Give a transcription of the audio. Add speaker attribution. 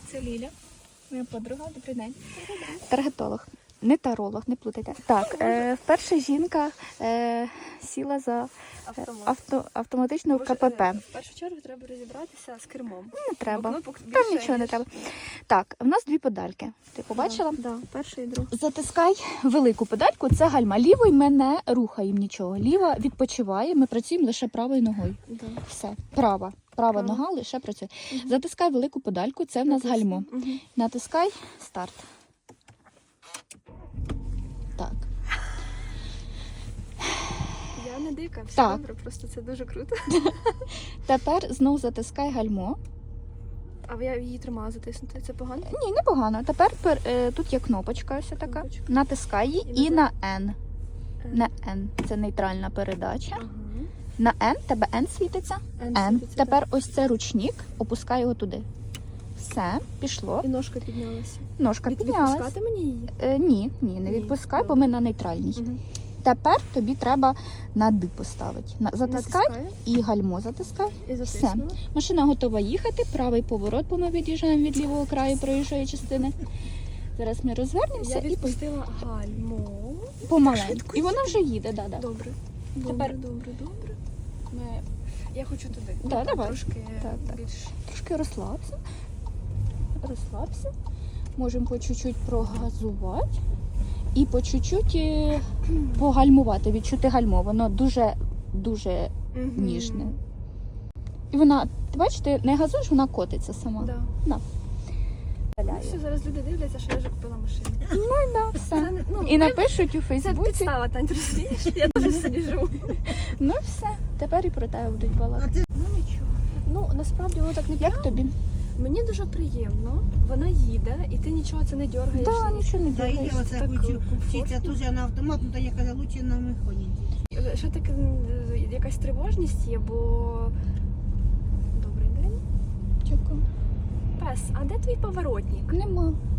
Speaker 1: Це Ліля, моя подруга, добрий день.
Speaker 2: Таргетолог. Не таролог, не плутайте. Так, вперше жінка сіла за автоматичну КПП.
Speaker 1: В першу чергу треба розібратися з кермом.
Speaker 2: Не треба.
Speaker 1: Бо кнопок
Speaker 2: Там
Speaker 1: більше,
Speaker 2: нічого не
Speaker 1: ніж-
Speaker 2: треба. Так, в нас дві педальки. Ти побачила?
Speaker 1: Да, перший і другий.
Speaker 2: Затискай велику педальку, це гальма. Лівою ми не рухаємо нічого. Ліва відпочиває, ми працюємо лише правою ногою.
Speaker 1: Да.
Speaker 2: Все, права. Права нога лише працює. Затискай велику педальку, це в нас гальмо.
Speaker 1: Мгм.
Speaker 2: Натискай старт. Так.
Speaker 1: Я не дика, все
Speaker 2: Так.
Speaker 1: добре, просто це дуже круто.
Speaker 2: Тепер знову затискай гальмо.
Speaker 1: А я її тримала затиснути, це погано?
Speaker 2: Ні, непогано. Тепер тут є кнопочка ось така.
Speaker 1: Кнопочка.
Speaker 2: Натискай її
Speaker 1: І
Speaker 2: і на N. На N. Це нейтральна передача.
Speaker 1: Ага.
Speaker 2: На N, тебе N світиться. N.
Speaker 1: світиться,
Speaker 2: Тепер ось це ручник, опускай його туди. Все, пішло.
Speaker 1: І ножка піднялася.
Speaker 2: Ножка піднялась.
Speaker 1: Відпускати мені її?
Speaker 2: Ні, не
Speaker 1: Ні,
Speaker 2: відпускай, бо
Speaker 1: добре.
Speaker 2: ми на нейтральній.
Speaker 1: Мгм.
Speaker 2: Тепер тобі треба на D поставити. Затискай
Speaker 1: Натискаю
Speaker 2: і гальмо затискай.
Speaker 1: і
Speaker 2: Все.
Speaker 1: затиснула.
Speaker 2: Машина готова їхати, правий поворот, бо ми від'їжджаємо від лівого краю проїжджої частини. Зараз ми розвернемося
Speaker 1: Я
Speaker 2: і
Speaker 1: відпустила гальмо.
Speaker 2: помаленьку. І вона вже їде, да.
Speaker 1: Добре.
Speaker 2: Тепер-
Speaker 1: Добре.
Speaker 2: Ми
Speaker 1: Я хочу туди.
Speaker 2: Да,
Speaker 1: Там
Speaker 2: давай.
Speaker 1: Трошки
Speaker 2: Так.
Speaker 1: більш.
Speaker 2: трошки розслабся. Розслабся. Можемо по чуть-чуть прогазувати і по чуть-чуть погальмувати, відчути гальмо. Воно дуже
Speaker 1: Мгм.
Speaker 2: ніжне. І вона, ти бачиш, ти не газуєш, вона котиться сама.
Speaker 1: Да.
Speaker 2: На.
Speaker 1: Ну, все, зараз люди дивляться, що я вже купила машину.
Speaker 2: Да, все.
Speaker 1: Це не- ну,
Speaker 2: І
Speaker 1: ми-
Speaker 2: напишуть у
Speaker 1: Це
Speaker 2: Фейсбуці.
Speaker 1: підстава, Тань, ти розумієш? Я теж в селі живу.
Speaker 2: Ну все, тепер і про тебе будуть балакати.
Speaker 1: Ну нічого. Ну насправді воно так не
Speaker 2: Як тобі?
Speaker 1: Мені дуже приємно. Вона їде, і ти нічого це не дергаєш.
Speaker 2: Так, нічого не
Speaker 3: Та і
Speaker 2: дивишся.
Speaker 3: оце
Speaker 1: Так
Speaker 3: хочу вчитися
Speaker 1: комфортно.
Speaker 3: теж на автомат, ну то я казала, лучше на механіці.
Speaker 1: Ще таке якась тривожність є, бо добрий день.
Speaker 2: Дякую.
Speaker 1: Пес, а де твій поворотник?
Speaker 2: Нема.